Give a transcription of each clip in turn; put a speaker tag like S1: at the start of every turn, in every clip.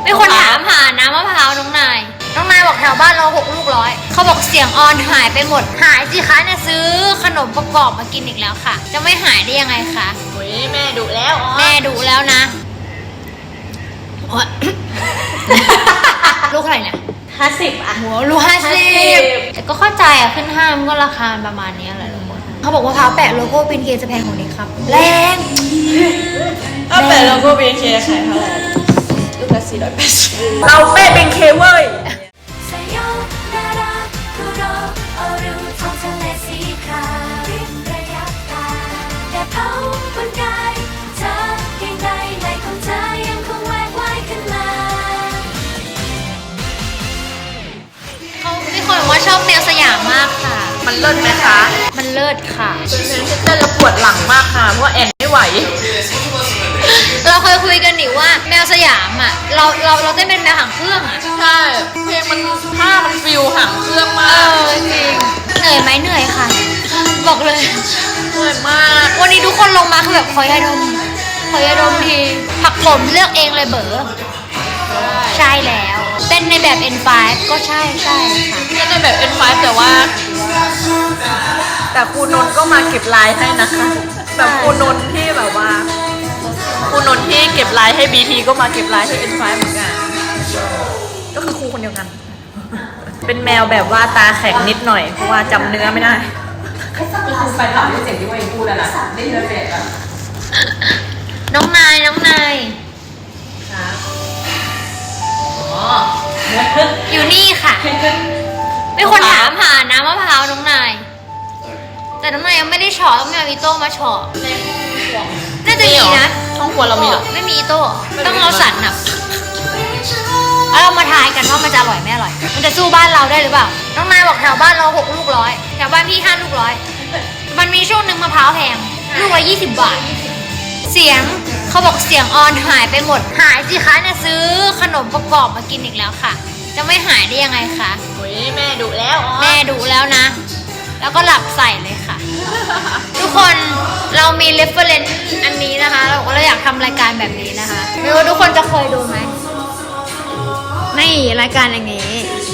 S1: มีคนถามหาน้ำมะพร้าวน้องนายบอกแถวบ้านเรา6 ลูกร้อยเขาบอกเสียงออนหายไปหมดหายสิคะเนี่ยซื้อขนมประกอบมากินอีกแล้วค่ะจะไม่หายได้ยังไงคะ
S2: โอ้ยแม่ดุแล้ว
S1: แม่ดุแล้วนะ ลูกอะไรเนี่ย
S2: 50อ่ะ
S1: หัวลูก50แต่ก็เข้าใจอ่ะขึ้นห้างก็ราคาประมาณนี้แหละทุกคนเขาบอกว่าพร้าวแปะโลโก้บินเคจะแพงกว่านี้ครับแรง
S2: ถ้าแปะโลโก้บินเคขายเท่าไหร่ลูกละ480เราแปะบินเคเว้ย
S1: ว่าชอบแนวสยามมากค่ะ
S2: มันเลิศไหมคะ
S1: มันเลิศค่ะ
S2: เป็นเพลงที่เต้นแล้วปวดหลังมากค่ะเพราะว่าแอนไม่ไหว
S1: เราเคยคุยกันหนิว่าแมวสยามอ่ะเราเต้นเป็นแมวหางเครื่องอ่ะ
S2: ใช่เพลงมันท่ามันฟิลหางเครื่องมาก
S1: จริงเหนื่อยไหมเหนื่อยค่ะบอกเลย
S2: เหนื่อยมาก
S1: วันนี้ทุกคนลงมาคือแบบขอยาดมทีผักผมเลือกเองเลยเบ๋อใช่แล้วเป็นในแบบ N5 ก็ใช่ค่ะ
S2: เป็นในแบบ N5 แต่ครูนนท์ก็มาเก็บลายให้นะคะแบบครูนนท์ที่แบบว่าครูนนท์ที่เก็บลายให้ BT ก็มาเก็บลายให้ N5 เหมือนกันก็คือครูคนเดียวกันเป็นแมวแบบว่าตาแข็งนิดหน่อยเพราะว่าจำเนื้อไม่ได้
S3: คือไปถามด้วยเสียงที่ว่าเองพูดแล้วนะได้ยินเสียงอ่ะ
S1: น้องนายอยู่นี่ค่ะมีคนถามหาน้ำมะพร้าวน้องนายแต่น้องนายยังไม่ได้เฉาะต้องมีอีโต้มาเฉาะน่าจะมีนะ
S2: ช่องครัวเรามีหรอ
S1: ไม่มีอีโต้ต้องเอาสันน่ะแล้วเรามาทายกันว่ามันจะอร่อยไม่อร่อยมันจะสู้บ้านเราได้หรือเปล่าน้องนายบอกแถวบ้านเรา6 ลูกร้อยแถวบ้านพี่5 ลูกร้อยมันมีช่วงหนึ่งมะพร้าวแพงลูกละ20 บาทเสียงเขาบอกเสียงออนหายไปหมดหายสิคะเนี่ยซื้อขนมประกอบมากินอีกแล้วค่ะจะไม่หายได้ยังไงคะ
S2: โอ้ยแม่ดุแล้ว
S1: แม่ดุแล้วนะแล้วก็หลับใส่เลยค่ะทุกคนเรามี reference อันนี้นะคะเราก็เลยอยากทำรายการแบบนี้นะคะไม่รู้ทุกคนจะเคยดูไหมนี่รายการอย่างนี้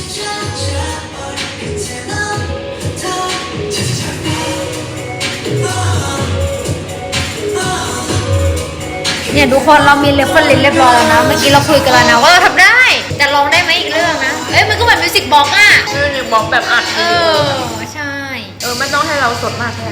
S1: เนี่ยทุกคนเรามีเรฟเฟอร์เรนซ์เรียบร้อยแล้วนะเมื่อกี้เราคุยกันแล้วนะว่าเราทำได้แต่ลองได้ไหมอีกเรื่องนะมันก็เหมือนมิวสิกบ็อกซ์อ่ะ
S2: มิวสิกบ็อกซ์แบบอัด
S1: ใช่
S2: ไม่ต้องให้เราสดมากแค่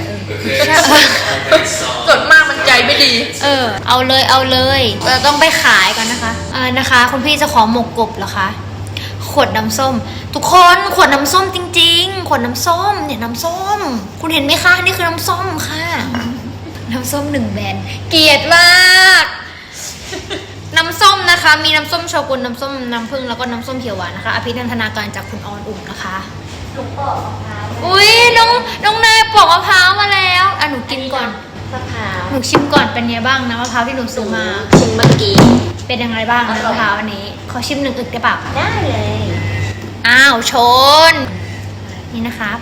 S2: สดมากมันใจไม่ดี
S1: เอาเลยเราต้องไปขายกันนะคะคุณพี่จะขอหมกกบเหรอคะขวดน้ำส้มทุกคนขวดน้ำส้มจริงๆขวดน้ำส้มเนี่ยน้ำส้มคุณเห็นไหมคะนี่คือน้ำส้มค่ะน้ำส้ม1 แบรนด์เกลียดมากน้ำส้มนะคะมีน้ำส้มโชกุนน้ำส้มน้ำผึ้งแล้วก็น้ำส้มเขียวหวานนะคะอภินันทนาการจากคุณออนอุ่มนะคะ
S3: หนูปอกมะพร้าว
S1: อุ้ยน้องนายปอกมะพร้าวมาแล้วหนูกินก่อน
S3: มะพร้าว
S1: หนูชิมก่อนเป็นไงบ้างนะมะพร้าวที่หนูซื้อมา
S3: ชิมเมื่อกี้
S1: เป็นยังไงบ้างนะมะพร้าวอันนี้ขอชิม1 อึกได้เปล่า
S3: ได้เลย
S1: อ้าวชนนี่นะครับ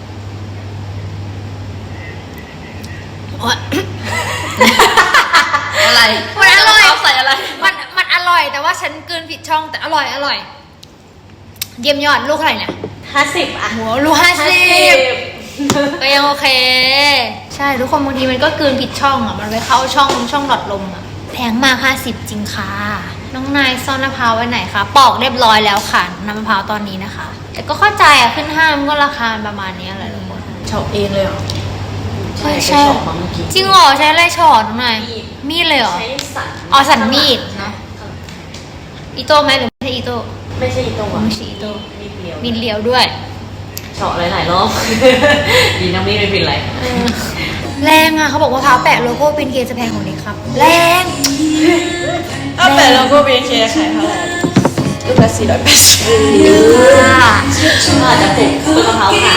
S2: อะไร
S1: มันอร่อย
S2: ใส่อะไร
S1: มันอร่อยแต่ว่าฉันกลืนผิดช่องแต่อร่อยเยี่ยมยอดลูกอะไรเนี่ย
S3: 50อ่ะ
S1: หัวลูก50ก็ยังโอเคใช่ทุกคนบางทีมันก็กลืนผิดช่องอ่ะมันไปเข้าช่องหลอดลมอ่ะแพงมาก50จริงค่ะน้องนายซ่อนมะพร้าวไว้ไหนคะปอกเรียบร้อยแล้วค่ะน้ำมะพร้าวตอนนี้นะคะแต่ก็เข้าใจอ่ะขึ้นห้างก็ราคาประมาณนี้แหละทุกคน
S2: เฉาเองเลยเหรอ
S1: ใช่จริงเหรอใช้อะไรฉอดน้องนายมีดเลยเหรอ
S3: ใช้สัน
S1: สันมีดเนาะอีโต้ไหมหรือไม่ใช่อีโต้
S3: ไม่ใช่อีโต้
S1: ไม่ใช่อีโต้มีดเลี้ยวด้วย
S3: เฉาะหลายรอบดีน้ำมีดไม่เป็นไร
S1: แรงอ่ะเขาบอกว่าพร้าวแปะโลโก้บินเคจะแพงกว่านี้ครับแรง
S2: ถ้าแปะโลโก้บินเคขายเท่าไหร่ลูกละ480
S3: อาจจะปลูกต้นมะพร้าวขาย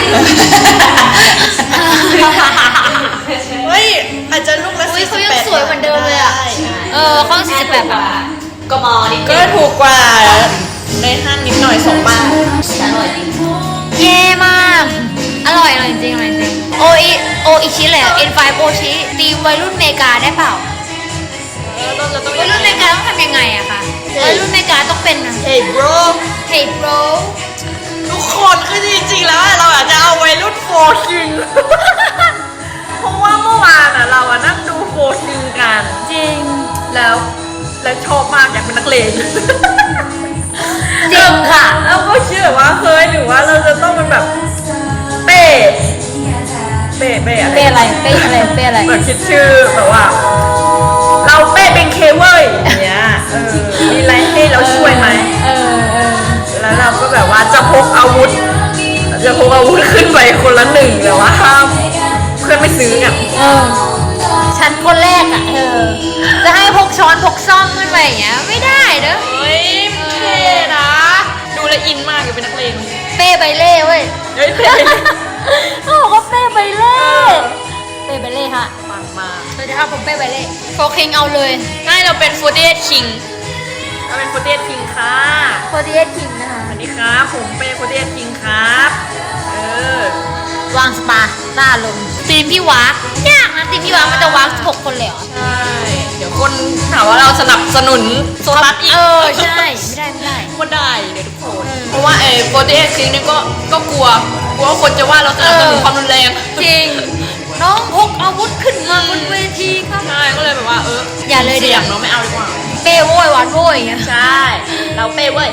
S2: เฮ้ยอาจจะลูกละ
S1: 48เขายังสวยเหมือนเดิมเลยอ่ะเขา48 บาท
S3: ก็มอนิด
S2: ก็ถูกกว่าในห้างนิดหน่อย2 บาท
S3: อร่อยจริง
S1: เย่มากอร่อยจริงโออิชิเลยN5 โอชิตีวัยรุ่นเมกาได้เปล่าวัยรุ่นเมกาต้องทำยังไงอะคะรุ่นอเมริกาต้องเป็นนะ
S2: Hey bro
S1: Hey bro
S2: ทุกคนคือจริงๆแล้วเราอาจจะเอาวัยรุ่นโฟร์คิง เพราะว่าเมื่อวานเรานั่งดูโฟร์คิงกัน
S1: จริง
S2: แล้วชอบมากอยากเป็นนักเลง
S1: จริงค่ะ
S2: แล้วก็เชื่อว่าเฮ้ยหรือว่าเราจะต้องเป็นแบบเป้อะไร
S1: เป้อะไรเป้อะไรเป้อะไร
S2: แบบคิดชื่อแบบว่า เราเป้เป็นเคเว้ยอย่างเงี้ยมีอะไรให้เราช่วยไหมแล้วเราก็แบบว่าจะพกอาวุธขึ้นไปคนละหนึ่งแต่ว่าห้ามเพื่อนไม่ซื้อกัน
S1: ฉันคนแรกอ่ะจะให้พกช้อนพกซ่อมขึ้นไปอย่างเงี้ยไม่ได้เด้อ
S2: เฮ้ยเท่นะ ดูแลวอินมากอยู่เป็นนักเลง
S1: เป้ใบเล่เว้ย
S2: เฮ้ยเท่
S1: เขาบอกว่าเป้ใบเล่เป้ใบเล่ฮะ
S2: ปังมาก
S1: สวัสดีครับผมเป้ใบเล่โฟคิงเอาเลย
S2: ง่ายเราเป็น48 คิงเราเป็น48 คิงค่ะ
S1: โฟร์เอคิงนะคะ
S2: สวัสดีครับผมเป้48 คิงครับ
S1: วางสปาต้าลงทีมพี่วากยากนะทีมพี่วากมันจะวาก6 คนเลยเหรอ
S2: ใช่เดี๋ยวคนถามว่าเราสนับสนุนโซลัสอีก
S1: ใช่ไม่ได้
S2: ก็ได้เดี๋ยวทุกคนเพราะว่า48 คิงนี่ก็กลัวว่าคนจะว่าเราสนับสนุนความรุนแรง
S1: จริงน้องพกอาวุธขึ้นมาบนเวทีครับ
S2: ใช่ก็เลยแบบว่า
S1: อย่าเลย
S2: เสี่ยงเนาะไม่เอาดีกว่า
S1: เป้โว้ยหวานโว้ยอย่างเงี้ย
S2: ใช่ เราเป้เว้ย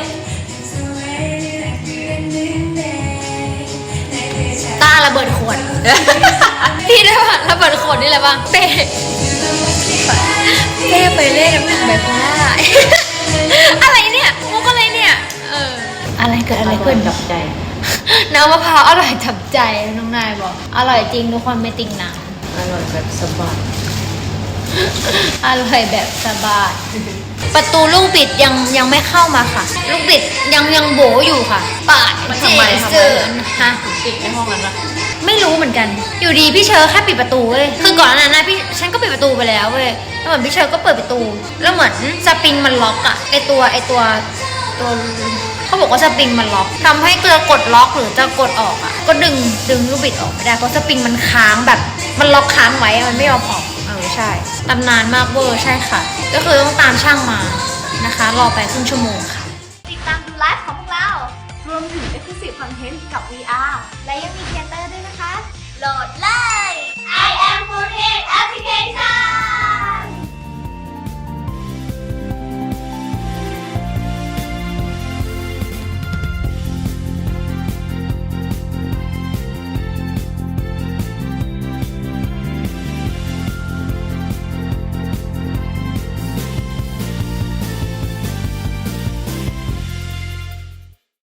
S1: ต้าระเบิดขวด พี่ได้ป่ะระเบิดขวดนี่อะไรบ้างเป้ไปเล่นน้ำหนึ่งแบบว่า อะไรเนี่ยมุกอะไรเนี่ยอะไรเกิดอะไรขึ้น
S3: กับใจ
S1: น้ำมะพร้าวอร่อยจับใจน้องนายบอกอร่อยจริงทุกคนไม่ติงหนัง
S3: อร่อยแบบสบาย
S1: อร่อยแบบสบายประตูลูกบิดยังไม่เข้ามาค่ะ ลูกบิดยังโบอยู่ค่ะปาด
S2: มันทำไม
S1: เจอฮะ
S2: ติดในห้องนั้นอะ
S1: ไม่รู้เหมือนกัน อยู่ดีพี่เชอร์แค่ปิดประตูเว้ยคือก่อนหน้านั้นฉันก็ปิดประตูไปแล้วเว้ยแล้วเหมือนพี่เชอร์ก็เปิดประตู แล้วเหมือนสปริงมันล็อกอะไอตัวเขาบอกว่าสปริงมันล็อกทำให้เกลือกดล็อกหรือจะกดออกอะก็ดึงลูกบิดออกไม่ได้เพราะสปริงมันค้างแบบมันล็อกค้างไว้มันไม่ยอมออกใช่ตำนานมากเวอร์ใช่ค่ะ ก็คือต้องตามช่างมานะคะ รอไปครึ่งชั่วโมงค่ะ
S4: ติดตามดูไลฟ์ของพวกเรา รวมถึง Exclusive Content กับ VR และยังมีเทเตอร์ด้วยนะคะ โหลดเลย I am 48 Application